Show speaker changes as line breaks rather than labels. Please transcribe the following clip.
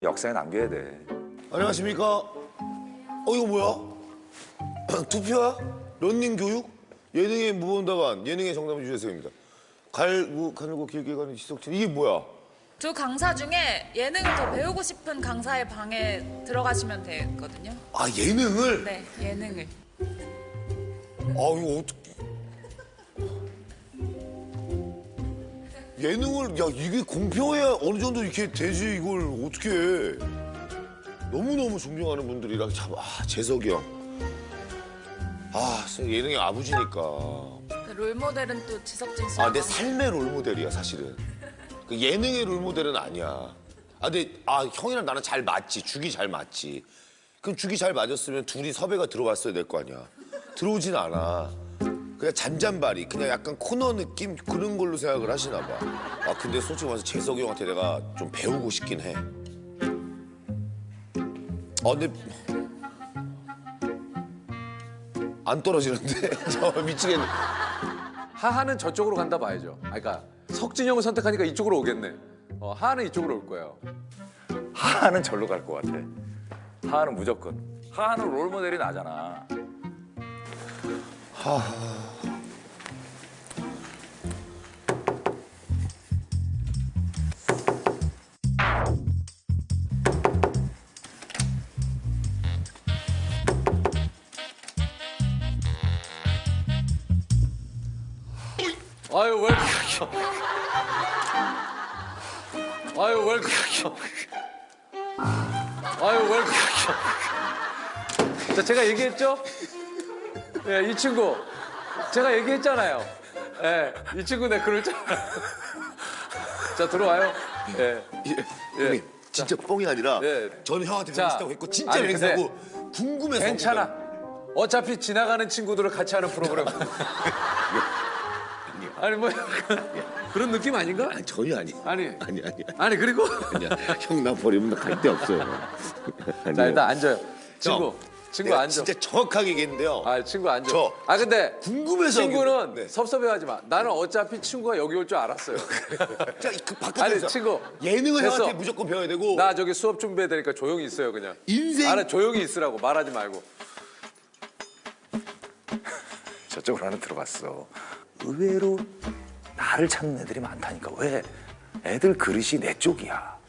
역사에 남겨야 돼.
안녕하십니까? 이거 뭐야? 투표야? 런닝 교육? 예능의 무본다반, 예능의 정답은 유재석입니다. 가늘고 길게 가는 지석진, 이게 뭐야?
두 강사 중에 예능을 더 배우고 싶은 강사의 방에 들어가시면 되거든요.
아, 예능을?
네, 예능을.
이거 어떻게. 예능을, 야, 이게 공평해야 어느 정도 이렇게 되지, 이걸 어떻게 해. 너무너무 존경하는 분들이랑 참, 재석이 형. 예능의 아버지니까.
롤모델은 또 지석진 씨.
내 삶의 롤모델이야, 사실은. 그 예능의 롤모델은 아니야. 근데, 형이랑 나는 잘 맞지. 죽이 잘 맞지. 그럼 죽이 잘 맞았으면 둘이 섭외가 들어왔어야 될 거 아니야. 들어오진 않아. 그냥 잔잔바리, 그냥 약간 코너 느낌? 그런 걸로 생각을 하시나 봐. 근데 솔직히 말해서 재석이 형한테 내가 좀 배우고 싶긴 해. 근데. 안 떨어지는데? 저 미치겠네.
하하는 저쪽으로 간다 봐야죠. 그러니까 석진이 형을 선택하니까 이쪽으로 오겠네. 하하는 이쪽으로 올 거예요.
하하는 절로 갈 것 같아. 하하는 무조건. 하하는 롤모델이 나잖아.
아유 왜 아유 왜 아유 왜 자, 제가 얘기했죠? 예, 이 친구 제가 얘기했잖아요. 예, 이 친구 내 그럴 줄 알아요. 자, 들어와요. 예.
형님, 진짜 뻥이 아니라 저는 형한테 배우고
자,
싶다고 했고 진짜
아니,
맹세하고 궁금해서.
괜찮아. 어차피 지나가는 친구들을 같이 하는 프로그램. 아니 뭐 그런 느낌 아닌가?
전혀 아니.
아니 그리고
아니야. 형 나 버리면 나 갈 데 없어요.
자, 일단 앉아요. 친구
내가
앉아.
진짜 정확하게 얘기했는데요.
친구 앉아.
저
근데
궁금해서
친구는
네.
섭섭해하지 마. 나는 어차피 친구가 여기 올 줄 알았어요.
자, 그 바깥에서
아니 친구
예능을
됐어.
형한테 무조건 배워야 되고.
나 저기 수업 준비해야 되니까 조용히 있어요 그냥.
인생.
조용히 있으라고 말하지 말고.
저쪽으로 하나 들어갔어. 의외로 나를 찾는 애들이 많다니까. 왜? 애들 그릇이 내 쪽이야.